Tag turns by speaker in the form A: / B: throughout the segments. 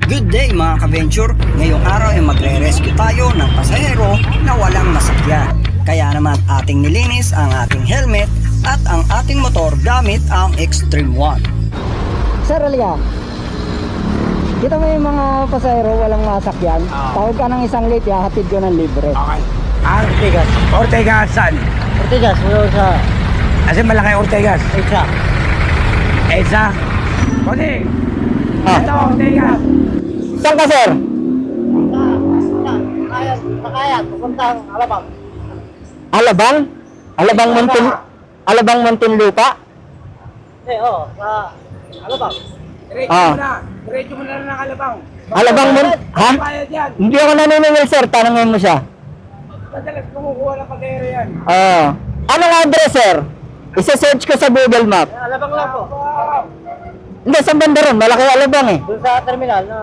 A: Good day mga ka-venture! Ngayong araw ay magre-rescue tayo ng pasahero na walang masakyan. Kaya naman ating nilinis ang ating helmet at ang ating motor gamit ang Extreme One. Sir, halika. Kita mo yung mga pasahero walang masakyan. Tawag ka ng isang late, hatid ko ng libre.
B: Okay. Ortegas. Ortegas saan?
C: Ortigas, wala sa
B: Kasi malaki Ortegas.
C: isa.
B: Esa. Kodi.
A: Ah.
B: Ito Ortegas.
A: Saan ka, sir?
C: Sakayat, pupuntang Alabang.
A: Alabang? Alabang Muntinlupa?
C: Sa Alabang.
B: Diretso
A: Ah.
B: mo na. Diretso mo na ng Alabang.
A: Alabang Ha?
B: Bayad yan.
A: Hindi ako naniningil, sir. Tanongin mo siya.
B: Madalas kumukuha ng pagkero yan.
A: Oo. Anong address, sir? Isa-search ko sa Google Map.
C: Alabang lang po.
A: Hindi, sa banda ron. Malaki Alabang eh.
C: Doon sa terminal na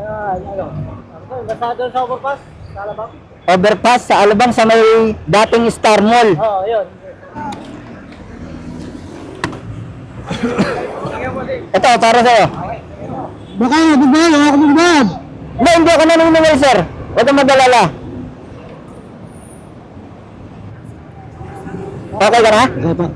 C: basta doon sa overpass sa Alabang.
A: Overpass sa Alabang sa may dating Star Mall.
C: Oo, yun.
A: Ito, para sa'yo. Baka nabigyan, ako magbigyan. Hindi ako naniningil, sir. Huwag kang mag-alala. Okay ka na? Okay pa.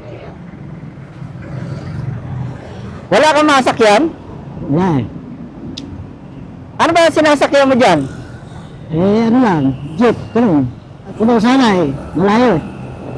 A: Wala kang masakyan?
D: Wala eh.
A: Ano ba sinasakyan mo dyan?
D: Ano lang, jeep, ganun. Puno sana eh, malayo eh.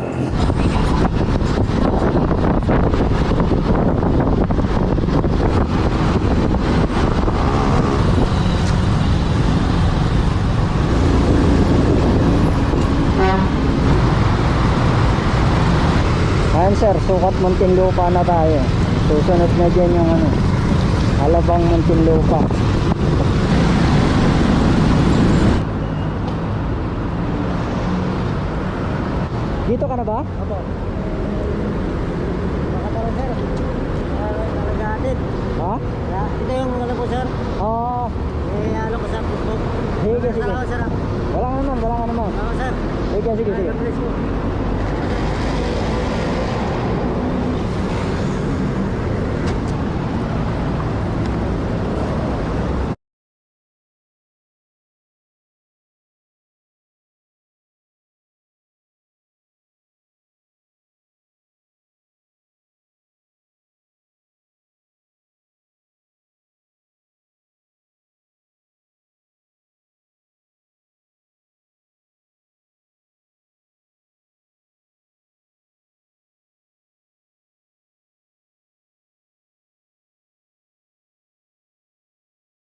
A: Ayan sir, sukat Muntinlupa na tayo. Susunod na dyan yung Alabang Muntinlupa. Dito ka na ba?
C: Opo. Baka tara sir. Nalagatid.
A: Ha?
C: Ito yung ano po sir.
A: Oo.
C: Ano ko sa Facebook.
A: Sige, sige.
C: Salamat sir.
A: Wala ka naman.
C: Salamat sir.
A: Sige.
C: God bless you.